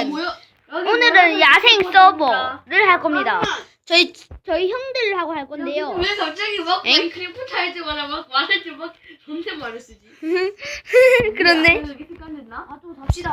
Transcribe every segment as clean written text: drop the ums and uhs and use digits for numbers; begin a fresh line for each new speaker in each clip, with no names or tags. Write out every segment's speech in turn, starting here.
오늘은 야생 서버를 할 겁니다.
잠깐만.
저희 형들하고 할 건데요.
왜 갑자기 막
엥?
마인크래프트 할 때마다 막 말할 때막 존댓 말을 쓰지?
그렇네.
이렇게 습관됐나?
아, 좀 잡시다.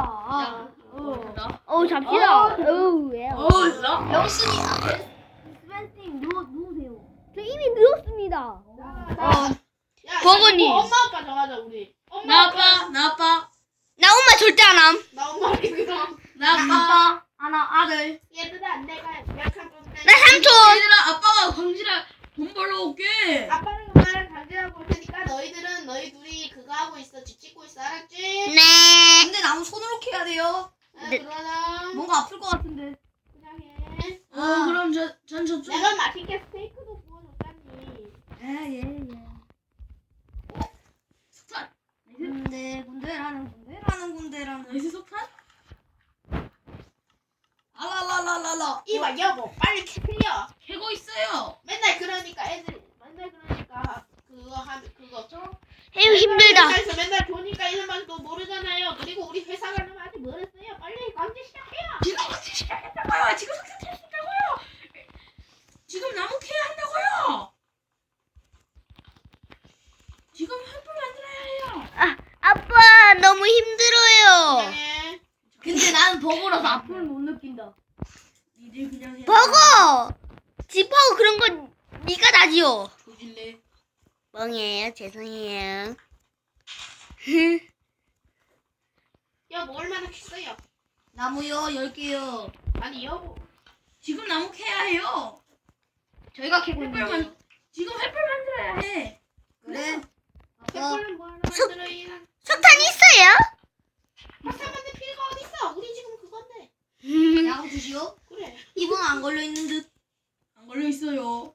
잡시다. 왜요?
영순이, 스벤팅, 누우세요.
저 이미 늦었습니다.
야,
버거니.
야, 엄마 아빠 정하자, 우리.
나 아빠.
나 엄마 절대 안 함.
나 엄마 그럼.
나 아빠.
하나, 아들. 얘들아, 내가 약한 건데.
나 삼촌.
얘들아, 아빠가 광질아 돈 벌러 올게.
아빠는 엄마랑 강제하고 볼 테니까 너희 둘이 그거 하고 있어. 집 짓고 있어. 알았지?
네.
근데 나무 손으로 캐야 돼요.
네.
그러자.
뭔가 아플 것 같은데.
그냥 해.
그럼 전 저쪽.
내가 맛있게 스테이크도 구워줬잖니.
예.
석탄.
군대라는.
나이스 석탄?
알랄랄랄랄라.
이봐, 여보. 빨리 캐려.
캐고 있어요.
맨날 그러니까 그거 좀.
에휴, 힘들다.
회사에서 맨날 보니까 이름만 또 모르잖아요. 그리고 우리 회사 가려면 아직 멀었어요. 빨리 강제 시작해요.
지금 같이 시작했다고요. 지금 석탄 캐야 된다고요. 지금 나무 캐야 한다고요. 지금 횃불 만들어야 해요.
아빠 너무 힘들어요.
네.
근데 나는 버거라서 아픔을 못 느낀다.
니들 그냥 해.
버거. 집하고 그런 건 네가 다지요.
조질래.
멍이에요. 죄송해요.
여보 얼마나 캤어요?
나무요 10개요.
아니 여보.
지금 나무 캐야 해요.
저희가 캐고
횃불
있는데.
지금 횃불 만들어야 해.
그래.
횃불은 뭐 하나 만들어야.
석탄 있어요?
석탄 만들 필요가 어딨어? 우리 지금 그건데.
야구 주시오.
그래.
이분 안 걸려 있는 듯.
안 걸려 있어요.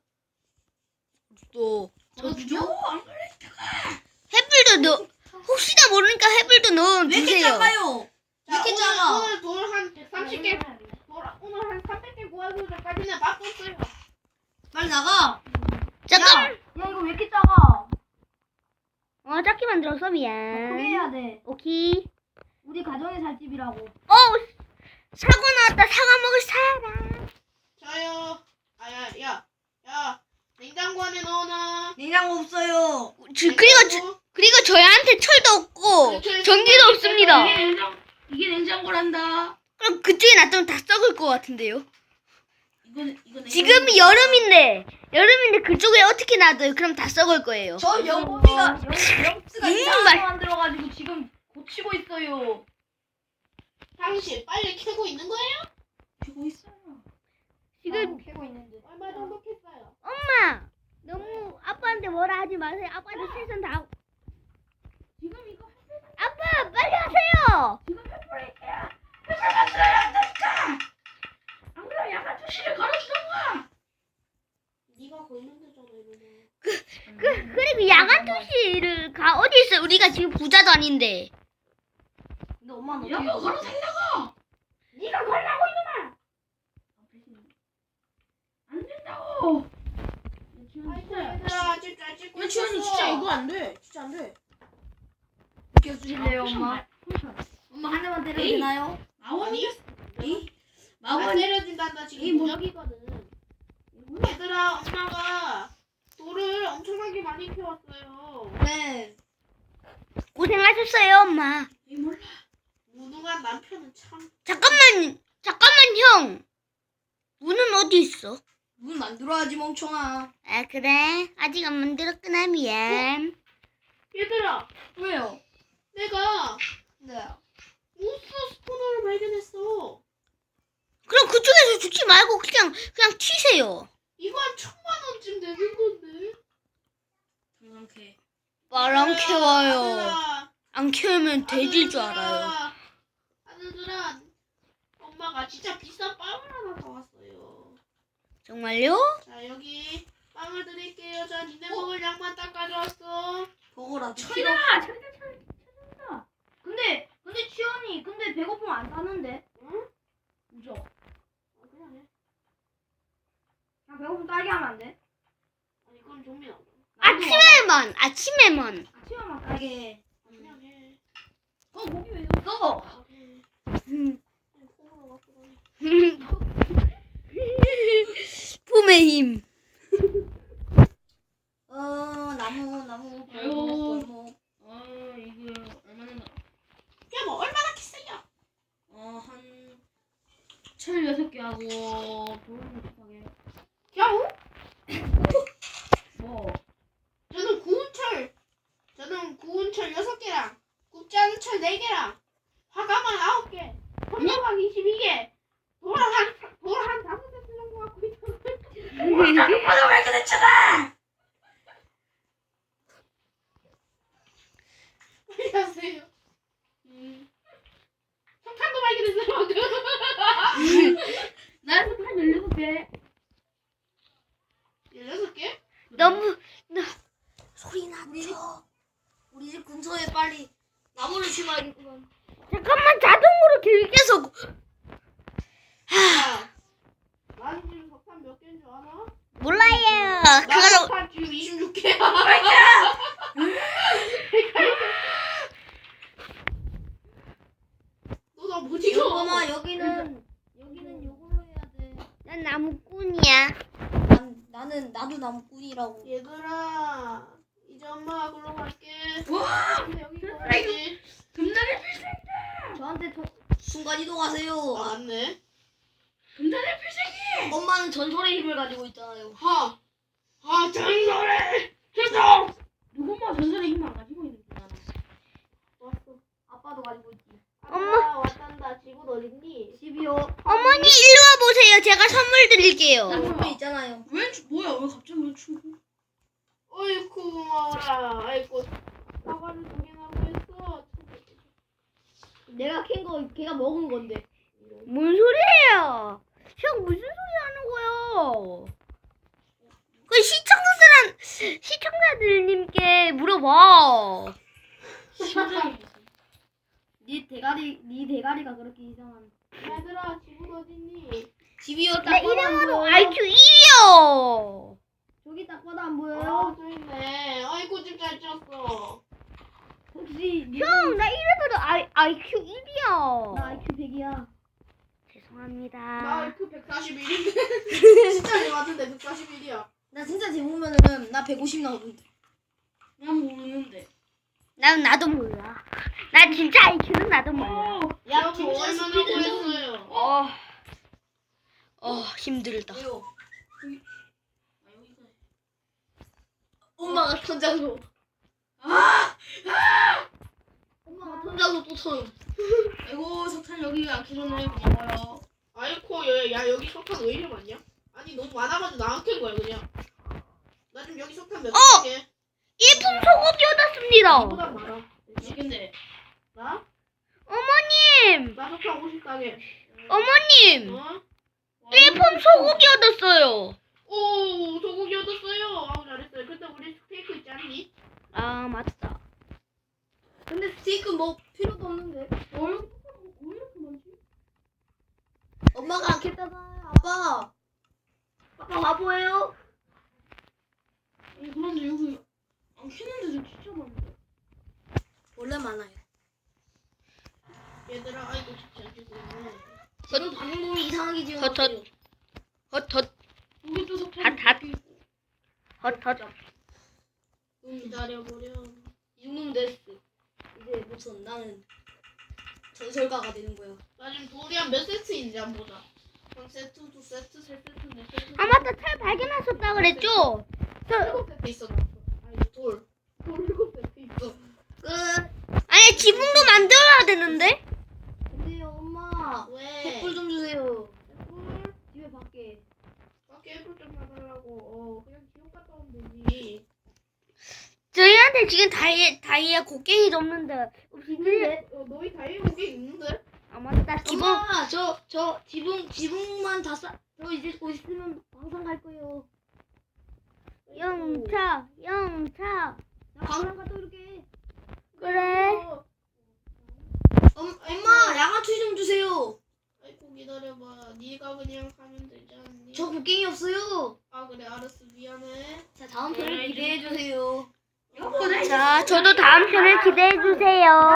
또
걸어주죠? 안 걸려 있다가.
횃불도 넣. 혹시나 모르니까 횃불도 넣어
왜 이렇게
주세요.
작아요? 왜 이렇게 작아?
오늘 돌 한 130개. 오늘 한 300개 구하기 전까지는 맛도 없어요.
빨리 나가.
잠깐.
야 이거 왜 이렇게 작아?
작게 만들어서
크게
미안.
해야 돼.
오케이.
우리 가정의 살집이라고.
사과 나왔다. 사과 먹을 사람.
저요. 야. 냉장고 안에 넣어놔.
냉장고 없어요.
그리고 저희한테 철도 없고 전기도 없습니다.
이게 냉장고란다.
그럼 그쪽에 놔두면 다 썩을 것 같은데요.
이거
지금 여름인데 그쪽에 어떻게 놔둬요? 그럼 다 썩을 거예요.
저 영범이가 영스가 이상하게
말-
만들어가지고 지금 고치고 있어요.
당신 빨리 캐고 있는 거예요?
캐고 있어요.
지금
캐고 있는데.
얼마 정도 캤어요?
엄마 너무 아빠한테 뭐라 하지 마세요. 아빠한테 최선 다.
지금 이거
아빠 빨리 하세요.
지금 횃불을 캐야 횃불 만들어야 한다니까. 안 그러면 야간 투시를 걸어주던가.
네가 걸면 되잖아 이러면.
그리고 야간 투시를 가 어디 있어요? 우리가 지금 부자도 아닌데.
근데 엄마는
여보
어떻게
걸어 달라고.
네가 걸라고 이놈아.
안 된다고.
아이고 얘들아 진짜 찍고
야 지현이
있었어.
진짜 이거 안 돼. 진짜 안 돼.
비켜주실래요 엄마? 엄마 한 대만 때려도
에이.
되나요?
아니?
이
안
마원이
내려진단다 지금 무적이거든. 얘들아 엄마가 돌을 엄청나게 많이 캐왔어요.
네.
고생하셨어요, 엄마.
이 몰라.
무능한 남편은 참.
잠깐만 형. 문은 어디 있어?
문 만들어야지 멍청아.
아 그래? 아직 안 만들었구나 미안.
얘들아
왜요?
내가
네.
우스 스포너를 발견했어.
그럼 그쪽에서 죽지 말고 그냥 튀세요.
이거 한 1,000,000원쯤 되는 건데.
당장 캐.
안 캐와요.
아들아,
안 캐우면 돼질 줄 알아요.
아들들아, 엄마가 진짜 비싼 빵을 하나 사왔어요.
정말요?
자 여기 빵을 드릴게요. 자 니네 먹을 양만 딱 가져왔어.
버거라.
철이다.
근데 치현이 근데 배고프면 안 사는데.
응?
그죠?
그냥 해.
그냥 배고프면 딸기 하면 안 돼?
아니 그건 좀이 나와.
아침에만.
아침에만 딸기 해.
그냥 해.
고기 왜 있어?
해.
음.
그냥 콩으로
나무의 힘.
나무.
아유.
골목.
이거 얼마나 야뭐 얼마나 키세요?
한 철 6개 하고 돌 6개.
겨우?
뭐?
저는 구운 철 6개랑 굽지 않은 철 4개랑 화가만 9개, 건너각 22개, 돌 한 5개 정도 갖고 있어요.
오빠가 왜 이렇게 됐잖아.
빨리 하세요. 석탄도 발견했어요 방금.
나 석탄 16개.
16개?
너무
소리 나죠.
우리 집 근처에 빨리 나무를 심어야겠구만.
잠깐만 자동으로 길게서
야, 나는 지금 석탄 몇 개인 줄 아나?
몰라요.
나
그거로
석탄 지금 26개야. 너 나 못 이겨.
엄마 여기는 요걸로 해야 돼.
난 나무꾼이야.
나도 나무꾼이라고.
얘들아, 이제 엄마가 글로 갈게.
와.
근데 여기 있어야지.
금단의 필살기다.
저한테 순간 이동하세요.
아, 맞네.
금단의 필살기.
엄마는 전설의 힘을 가지고 있잖아요.
전설의 최종.
누구만 전설의 힘을 안 가지고 있는 거야.
왔어.
아빠도 가지고 있지.
엄마 왔단다. 지금 어딨니?
집이요.
어머니 일로 와 보세요. 제가 선물 드릴게요.
나무꾼 있잖아요.
뭐야? 왜 갑자기 왜 춤?
어이쿠 고마워라. 아이고 사과를 2개나 구했어.
내가 캔 거 걔가 먹은 건데.
뭔 소리예요? 형 무슨 소리 하는 거예요? 그 시청자들님께 물어봐.
심장이.
네 대가리가 그렇게 이상한.
얘들아 지금 어딨니?
집이요. 딱
내
봐도 안
이름으로
보여요.
IQ 1이요.
저기 딱 봐도 안 보여요.
저 있네. 아이고 집 잘 지었어.
혹시
형, 나 이름으로 IQ 1이요.
나 IQ 100이야.
죄송합니다.
나 IQ 141인데. 진짜 내 맞은데 141이야.
나 진짜 재보면은 나 150 나오던데.
난 모르는데.
나도 몰라. 나 진짜 IQ는 나도 몰라.
야,
여보
진짜
얼마나
스피드는-
구했어요?
힘들다.
왜요?
아 여기가.
엄마가 턴자소.
아!
엄마가 턴자소 또 턴.
아이고 석탄 여기 안 캐줬네. 고마워요.
아이코 야 여기 석탄 왜 이리 많냐? 아니 너무 많아가지고 나안 캔 거야 그냥. 나 지금 여기 석탄 몇 개?
예쁜 소고기 얻었습니다.
나보다 많아.
근데
나?
어머님,
나 석탄 50가게.
어머님,
어?
예쁜 소고기 얻었어요.
오 소고기 얻었어요. 아우 잘했어요. 근데 우리 스테이크 있지 않니?
아, 맞다.
근데 스테이크 뭐 필요도 없는데.
왜 이렇게 많지?
엄마가 안 캤다잖아요. 아빠. 아빠 바보예요?
그런데 여기 안 캐는데도 진짜 많은데.
원래 많아요.
얘들아 아이고 집 잘 지고 있네.
지금 방송이 이상하게 지금.
헛헛. 헛헛,
여기 또 석탄.
핫. 헛헛.
기다려보렴.
이 정도면 됐어. 이제 무슨 나는 전설가가 되는 거야.
나 지금 돌이 한 몇 세트인지 한번 보자. 1세트, 2세트, 3세트, 4세트.
아, 맞다. 철 발견하셨다 그랬죠?
7세트 있어. 나. 아니 돌 7세트 있어.
끝.
아니, 지붕도 만들어야 되는데?
근데요 엄마.
왜?
횃불 좀 주세요.
꿀?
집에 밖에.
밖에 애플 좀 사달라고. 그냥 지옥 갔다 오면 되지.
저희한테 지금 다이아 곡괭이도 없는데.
있는데?
너희 다이어트 게 있는데?
아, 맞다. 지붕.
엄마 저 지붕만 다 쌓. 저 이제 곧 있으면 방송 갈 거예요.
영차.
나 방송 갔다 올게.
그래.
엄마 양아추 좀 주세요.
아이고 기다려봐. 네가 그냥 가면 되지 않니?
저 곡괭이 없어요.
아 그래 알았어 미안해.
자 다음 편을 기대해 주세요.
자, 저도 다음 편을 기대해 주세요.